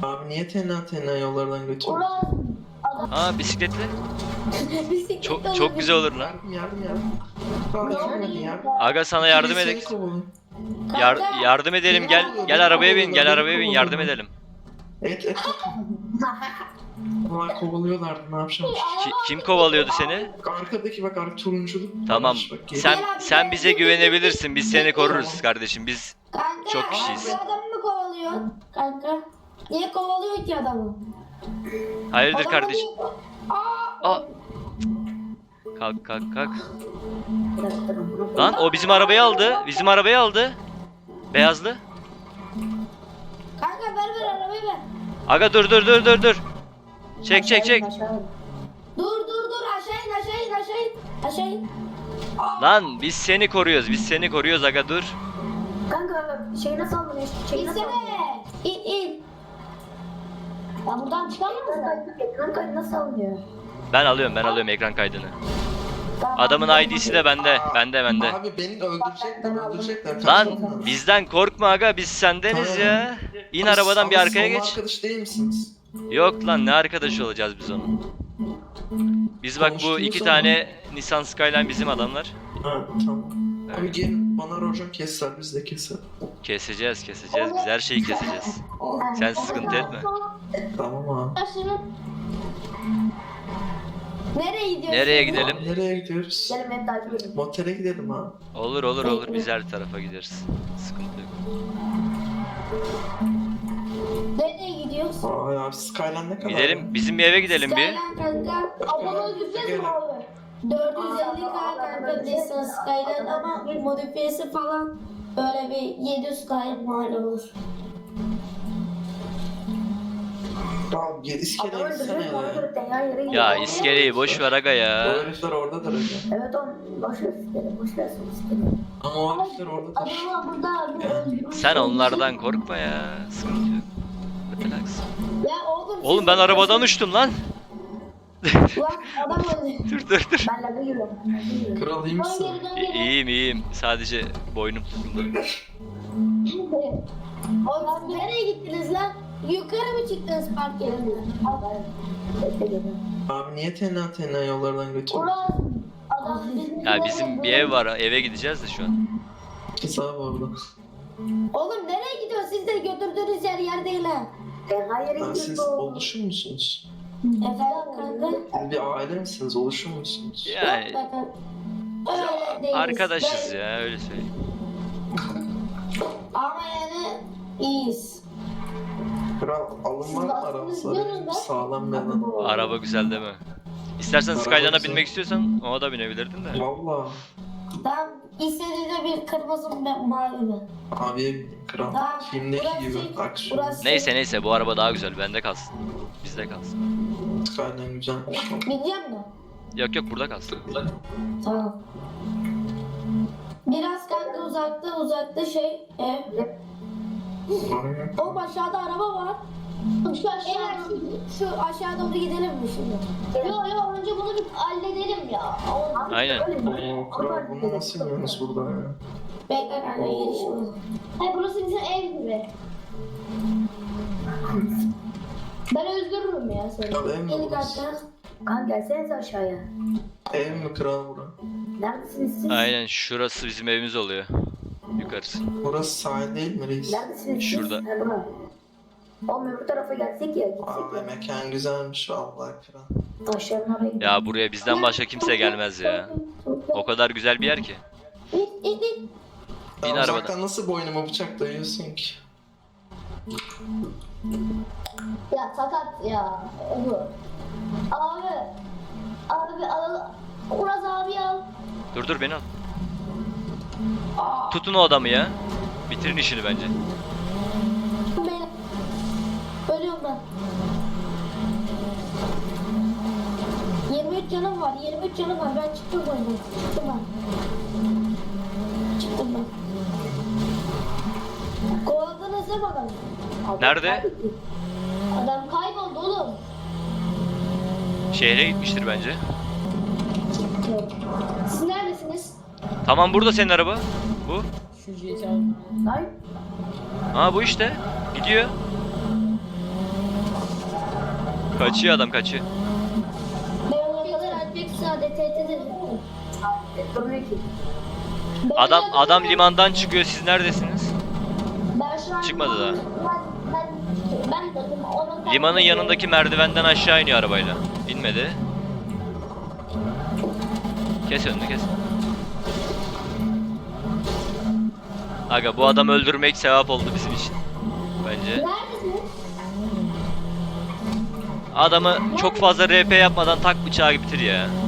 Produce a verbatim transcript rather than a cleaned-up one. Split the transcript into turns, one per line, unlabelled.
Abi niye tenha tenha yollardan götürüyorsun?
Aa bisikletli.
Bisiklet
Çok
olur.
çok güzel olur lan.
Yardım yardım yardım. Abi yardım yardım.
Aga sana yardım
Seni
edek.
kovalıyor.
Yar
Kanka.
yardım edelim gel. Gel arabaya bin. Gel arabaya bin yardım edelim.
Et et et. Onlar kovalıyorlardı, ne yapacağım?
Ki- kim kovalıyordu seni?
Arkadaki bak, arka turunculu.
Tamam.
Bak, gel.
Sen sen bize güvenebilirsin. Biz seni koruruz kardeşim. Biz
Kanka,
Çok kişiyiz.
bu adamı mı kovalıyor? Kanka. Niye kovalıyor ki adamı?
hayırdır
Adamı
kardeşim?
niye- Aa!
Aa. Kalk kalk kalk. Lan o bizim arabayı aldı. Bizim arabayı aldı. Beyazlı.
Kanka ver ver arabayı ver.
Aga dur dur dur dur dur. Çek çek çek.
Dur dur dur aşağı in aşağı in aşağı in. Aşağı in.
Lan biz seni koruyoruz. Biz seni koruyoruz aga dur.
Kanka şey nasıl alınıyor? Şey nasıl alınıyor?
İnsene. İn in. Ya buradan çıkamaz mısın?
Ekran kaydı nasıl alınıyor?
Ben alıyorum ben alıyorum ekran kaydını. Adamın I D'si de bende. Bende bende.
Abi beni öldürecekler, öldürecekler.
Lan
Kaçın.
bizden korkma aga biz sendeniz ya. İn arabadan bir
Ama
arkaya
siz onun
geç.
arkadaş değil misiniz?
Yok lan ne arkadaşı olacağız biz onun. Biz bak bu
Konuştunuz
iki
ama.
tane Nissan Skyline bizim adamlar.
Ha tamam. Abi gelin bana rojam keser, biz de keser.
Keseceğiz keseceğiz biz her şeyi keseceğiz. Sen sıkıntı etme.
Tamam abi.
Nereye gidiyorsun?
Nereye gidelim?
Nereye gidiyoruz?
Gelin beni takip edin.
Motele gidelim abi.
Olur olur olur biz her tarafa gideriz. Sıkıntı yok.
Nereye gidiyoruz?
Ay abi Skyline ne kadar?
Gidelim bizim bir eve gidelim bir.
Skyline kanka. Abone yüzde mi abi? dört yüz elli K kanka Nissan Skyline ama modifiyesi falan böyle bir yedi yüz K mal olur.
Tamam gel iskeleye gitsene
Ona
ya.
göre tenha yere gidiyor.
Ya iskeleyi boş ver aga
O
ya.
herifler oradadır öyle.
Evet oğlum boş ver iskele, boş ver son iskele.
Ama o herifler oradadır.
Adamı burada bir öldürmüş.
Sen onlardan korkma ya. Sıkıntı yok. Relax.
Ya oğlum.
Oğlum
siz-
ben arabadan uçtum lan.
Lan adam öldü.
Dur dur dur.
Ben laga giriyorum. ben laga giriyorum.
Kral iyi
Dön
misin?
geri dön
İ-
geri.
İyiyim iyiyim. Sadece boynum tutuldu.
Oğlum siz nereye gittiniz lan? Yukarı mı çıktınız park yerinden?
Bekle geliyorum.
Abi niye tenha tenha yollardan götürüyorsun?
Ulan adam
Ya bizim bir ev var. Eve gideceğiz de şu an.
Kız abi orada.
Oğlum nereye gidiyorsun? Siz de götürdüğünüz yer yer değil ha.
Tenha yere
Lan siz
gidiyorsun.
oluşur musunuz?
Efendim kanka?
Siz bir aile misiniz? Oluşur musunuz?
Yani
Yok be kanka. Öyle değiliz.
arkadaşız
Ben-
ya öyle söyleyeyim.
Ama yani iyiyiz.
Kral alın var mı
Siz diyorsunuz
aramızda?
be.
Sağlam bir adam.
Araba güzel değil mi? İstersen
Araba
Skyline'a
güzel.
binmek istiyorsan ona da binebilirdin de.
Valla.
Tam istediğinde bir kırmızı bir mavi mi?
Abi kral.
Tamam.
Filmdeki
Burası-
gibi aksiyon.
burası-
Neyse neyse bu araba daha güzel. Bende kalsın. Bizde kalsın.
Skyline güzelmiş.
Bineceğim mi?
Yok yok burada kalsın.
Tamam. Biraz kanka uzakta uzakta şey ev.
Aynen.
Oğlum aşağıda araba var. Şu aşağı, şu aşağı doğru gidelim mi şimdi? Yok yok önce bunu bir halledelim ya.
Aynen.
Oo kral bunu nasıl yiyorsunuz burada ya?
Bekle kanka gelişim. Hayır burası bizim ev gibi. Ben öldürürüm ya seni.
Kral ev mi
Yeni
burası?
kaçta?
Kanka gelsenize aşağıya.
Ev mi kral bura?
Neredesiniz siz?
Aynen şurası bizim evimiz oluyor. Yukarısı.
Burası sahil değil mi reis?
Neredesiniz siz?
Şurada.
Ha, bura. Oğlum öbür tarafa gelsek ya. Gitsek
Abi
ya.
mekan güzelmiş vallahi kral.
Aşağıdan oraya gidelim.
Ya buraya bizden başka kimse gelmez ya. O kadar güzel bir yer ki.
İt it it.
Bin
Ya
arabadan.
uzaktan nasıl boynuma bıçak dayıyorsun ki?
Ya sakat ya. Bu. Abi. Abi al. Uraz abi al.
Dur dur beni al. Tutun o adamı ya. Bitirin işini bence.
Beni. Ölüyorum ben. yirmi üç canım var. yirmi üç canım var. Ben çıktım oyundan. Çıktım ben. Çıktım ben. Kovaladınız değil mi adamı?
Nerede?
Adam kayboldu oğlum.
Şehre gitmiştir bence.
Siz neredesiniz?
Tamam burada senin araba. Bu.
Hayır.
Ha bu işte. Gidiyor. Kaçıyor adam, kaçıyor.
Ben onu yakalarım. Bir saate tehdit ederim.
Durmuyor ki.
Beni
Adam
yakalarım.
adam limandan çıkıyor. Siz neredesiniz?
Ben şu an
Çıkmadı daha.
Ben, ben, ben dedim onun
Limanın yanındaki merdivenden aşağı iniyor arabayla. İnmedi. Kes önünü, kes. Aga bu adamı öldürmek sevap oldu bizim için. Bence.
Neredesin?
Adamı çok fazla R P yapmadan tak bıçağı bitir ya.